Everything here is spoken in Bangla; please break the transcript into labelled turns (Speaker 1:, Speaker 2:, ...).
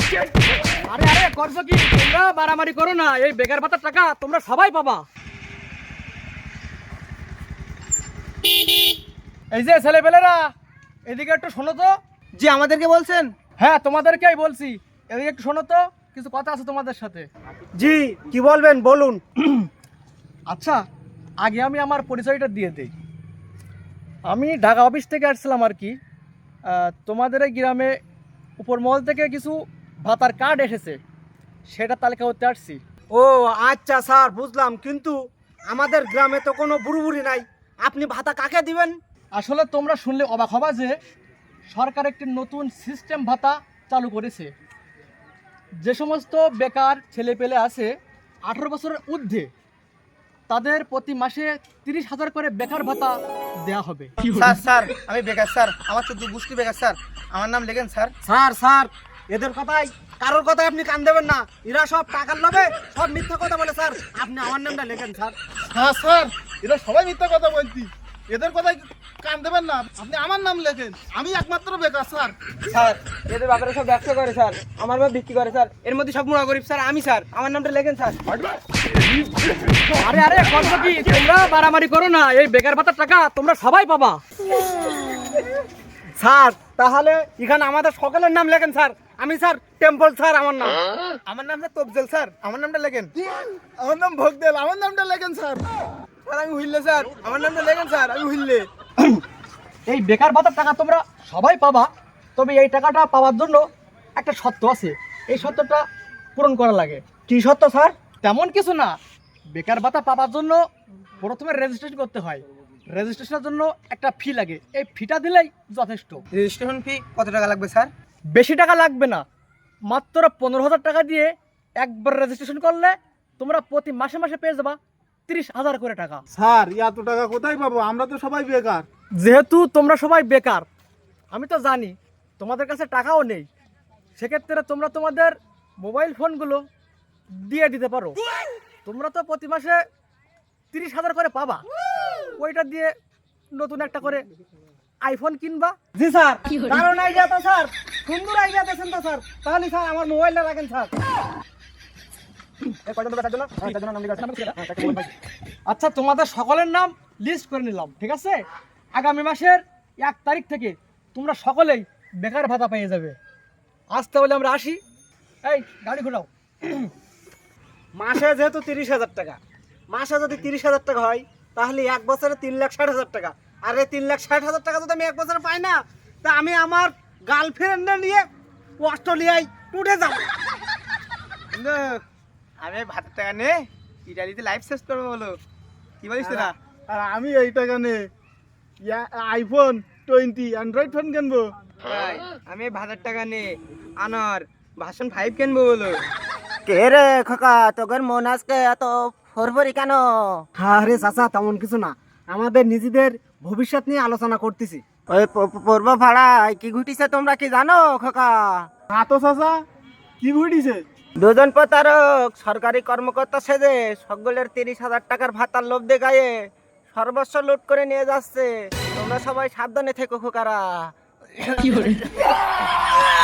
Speaker 1: আরে আরে করছো কি তোমরা? মারামারি করো না, এই বেকার ভাতার টাকা তোমরা সবাই পাবা। এই যে ছেলেপেলেরা, এদিকে একটু শোনো তো।
Speaker 2: জি, আমাদেরকে বলছেন?
Speaker 1: হ্যাঁ, তোমাদেরকেই বলছি, এদিকে একটু শোনো তো, কিছু কথা আছে তোমাদের সাথে।
Speaker 2: জি, কি বলবেন বলুন।
Speaker 1: আচ্ছা, আগে আমি আমার পরিচয়টা দিয়ে দিই। আমি ঢাকা অফিস থেকে আসছিলাম আর কি। তোমাদের এই গ্রামে উপর মহল থেকে কিছু ভাতার কার্ড এসেছে, সেটা তালিকা করতে আসছি।
Speaker 2: ও আচ্ছা স্যার, বুঝলাম, কিন্তু আমাদের গ্রামে তো কোনো বুড়ি নাই, আপনি ভাতা কাকে দিবেন?
Speaker 1: আসলে তোমরা শুনলে অবাক হবা যে সরকার একটি নতুন সিস্টেম ভাতা চালু করেছে। যে সমস্ত বেকার ছেলেপেলে আছে 18 বছরের ঊর্ধ্বে, তাদের প্রতি মাসে 30,000 করে বেকার ভাতা দেওয়া হবে।
Speaker 2: স্যার আমি বেকার স্যার, আমার 14 গোষ্ঠী বেকার স্যার, আমার নাম লেখেন স্যার। স্যার এদের কথাই, কারোর কথাই আপনি কান দেবেন না, এরা সব টাকার লোভে সব মিথ্যা কথা বলে স্যার, আপনি আমার নামটা লেখেন স্যার।
Speaker 3: হ্যাঁ স্যার, এরা সবাই মিথ্যা কথা বলছি, এদের কথাই কান দেবেন না, আপনি আমার নাম লেখেন, আমি একমাত্র বেকার স্যার।
Speaker 2: স্যার এদের বাপেরা সব ব্যবসা করে স্যার, আমার বাপ বিক্রি করে স্যার, এর মধ্যে সব মুড়া গরিব স্যার, আমি স্যার, আমার নামটা লেখেন স্যার।
Speaker 1: আরে আরে করছো কি তোমরা? মারামারি করো না, এই বেকার ভাতার টাকা তোমরা সবাই পাবা।
Speaker 2: স্যার তাহলে এখানে আমাদের সকলের নাম লেখেন স্যার। আমি স্যার টেম্পল স্যার, আমার নাম।
Speaker 3: আমার নামটা তবজেল স্যার, আমার নামটা লেখেন। আমার নাম ভোগদেল, আমার নামটা লেখেন স্যার।
Speaker 2: স্যার আমি হুইল্লে স্যার, আমার নামটা লেখেন স্যার, আমি হুইল্লে।
Speaker 1: এই বেকার ভাতার টাকা তোমরা সবাই পাবা, তবে এই টাকাটা পাওয়ার জন্য একটা শর্ত আছে, এই শর্তটা পূরণ করা লাগে।
Speaker 2: কি সত্য স্যার?
Speaker 1: তেমন কিছু না, বেকার ভাতা পাওয়ার জন্য প্রথমে রেজিস্ট্রেশন করতে হয়। রেজিস্ট্রেশনের জন্য একটা ফি লাগে, এই ফিটা দিলেই যথেষ্ট।
Speaker 2: রেজিস্ট্রেশন ফি কত টাকা লাগবে স্যার?
Speaker 1: বেশি টাকা লাগবে না, মাত্র 15,000 টাকা দিয়ে একবার রেজিস্ট্রেশন করলে তোমরা প্রতি মাসে মাসে পেয়ে যাবা 30,000 করে টাকা।
Speaker 3: স্যার এত টাকা কোথায় পাবো, আমরা তো সবাই বেকার।
Speaker 1: যেহেতু তোমরা সবাই বেকার, আমি তো জানি তোমাদের কাছে টাকাও নেই, সেক্ষেত্রে তোমরা তোমাদের মোবাইল ফোনগুলো দিয়ে দিতে পারো। তোমরা তো প্রতি মাসে 30,000 করে পাবা, ওইটা দিয়ে নতুন একটা করে আইফোন কিনবা।
Speaker 2: জি স্যার, কারণ আইডিয়া তো স্যার, সুন্দর আইডিয়া দিয়েছেন তো স্যার। তাহলে স্যার আমার মোবাইলটা রাখেন স্যার।
Speaker 1: আচ্ছা, তোমাদের সকলের নাম লিস্ট করে নিলাম, ঠিক আছে? আগামী মাসের 1 তারিখ থেকে তোমরা সকলেই বেকার ভাতা পেয়ে যাবে। আজ তাহলে আমরা আসি, এই গাড়ি ঘোরাও।
Speaker 2: মাসে যেহেতু 30,000 টাকা, মাসে যদি 30,000 টাকা হয় তাহলে এক বছরে 3,60,000 টাকা। আর এই 3,60,000 টাকা যদি আমি এক বছরে পাই না, তা আমি আমার গার্লফ্রেন্ডে নিয়ে অস্ট্রেলিয়ায় টুটে যাব।
Speaker 4: কিন্তু আমি ভাতের টাকা নে ইটালিতে লাইফ শেষ করবো বলো, কি বলিস তোরা?
Speaker 3: আর আমি এই টাকা নে আইফোন 20 অ্যান্ড্রয়েড ফোন কিনবো।
Speaker 4: ভাই, আমি ভাতের টাকা নে আনার ভার্সন 5 কিনবো বলো।
Speaker 2: কে রে খোকা, তোদের মন আজকে এত ফরফরি কেন? আরে চাচা, তেমন কিছু না, আমাদের নিজেদের ভবিষ্যৎ নিয়ে আলোচনা করতেছি। ওই পূর্ব ভাড়ায় কি ঘটিছে তোমরা কি জানো খোকা?
Speaker 3: হ্যাঁ তো চাচা, কি ঘটিছে?
Speaker 2: দুজন প্রতারক সরকারি কর্মকর্তা সেজে সকলের 30,000 টাকার ভাতার লোভ দেখায়ে সর্বস্ব লুট করে নিয়ে যাচ্ছে। তোমরা সবাই সাবধানে থেকো খোকারা।